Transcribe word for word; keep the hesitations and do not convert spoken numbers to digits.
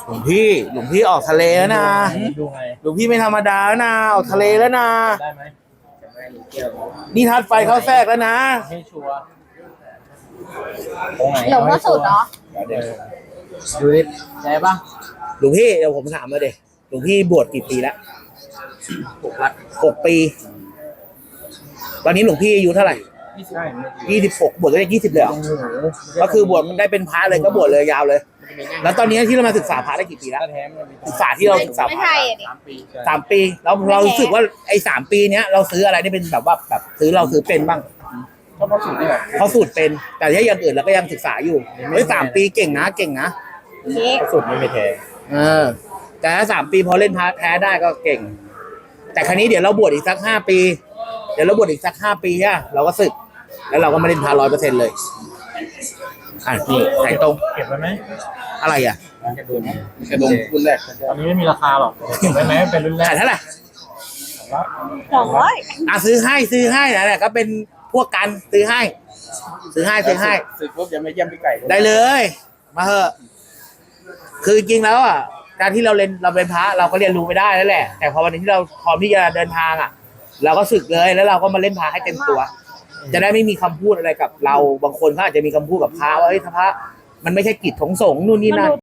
หลวงพี่หลวงพี่ออกทะเลแล้วนะดูไงหลวงพี่ไม่ธรรมดาแล้วนะออกทะเลแล้วนะได้ไหมนี่ทัดไฟเข้าแทรกแล้วนะให้ชัวร์ตรงไหนหลงว่าสุดเหรอเดี๋ยวดูดิได้ปะหลวงพี่เดี๋ยวผมถามมาเด็หลวงพี่บวชกี่ปีแล้วหกปีตอนนี้หลวงพี่อายุเท่าไหร่ยี่สิบใช่ยี่สิบหกบวชได้ยี่สิบเลยเหรอก็คือบวชมันได้เป็นพระเลยก็บวชเลยยาวเลย แล้วตอนนี้ที่เรามาศึกษาพระได้กี่ปีแล้วถ้าแท้มันมีศึกษาที่เราศึกษาไม่พระใช่อ่ะดิสามปีสามปีแล้วเรารู้สึกว่าไอ้สามปีเนี้ยเราซื้ออะไรได้เป็นแบบว่าแบบซื้อเราซื้อเป็นบ้างก็เพราะสูตรนี่แหละเขาสูตรเป็นแต่ถ้าอย่างอื่นเราก็ยังศึกษาอยู่เฮ้ยสามปีเก่งนะเก่งนะเค้กเพราะสูตรไม่มีแท้เออแต่ถ้าสามปีพอเล่นพาร์ทแท้ได้ก็เก่ง แต่ครั้นี้เดี๋ยวเราบวชอีกสักห้าปี เดี๋ยวเราบวชอีกสักห้าปีอะเราก็ศึก แล้วเราก็มาเล่นพาร้อยเปอร์เซ็นต์เลยอ่ะนี่ไหนตรงเก็บไว้ไหมอะไรอ่ะกระดุมกระดงรุ่นแรกตอนนี้ไม่มีราคาหรอกเก็บไว้ไหมเป็นรุ่นแรขาก ยเท่าไหร่สองร้อยอ่ะซื้อให้ซื้อให้นะเนี่ยก็เป็นพวกกันซื้อให้ ซื้อให้ซื้อให้สึกปุ๊บยังไม่เยี่ยมพี่ไก่ได้เลย มาเถอะคือจริงๆแล้วอ่ะการที่เราเรียนเราเป็นพระเราก็เรียนรู้ไม่ได้แล้วแหละ แต่พอวันนี้ที่เราพร้อมที่จะเดินทางอ่ะ เราก็ศึกเลยแล้วเราก็มาเล่นพระให้เต็มตัว จะได้ไม่มีคำพูดอะไรกับเราบางคนเขาอาจจะมีคำพูดกับพระว่าเฮ้ยพระมันไม่ใช่กิจของสงฆ์นู่นนี่มันนั่นดู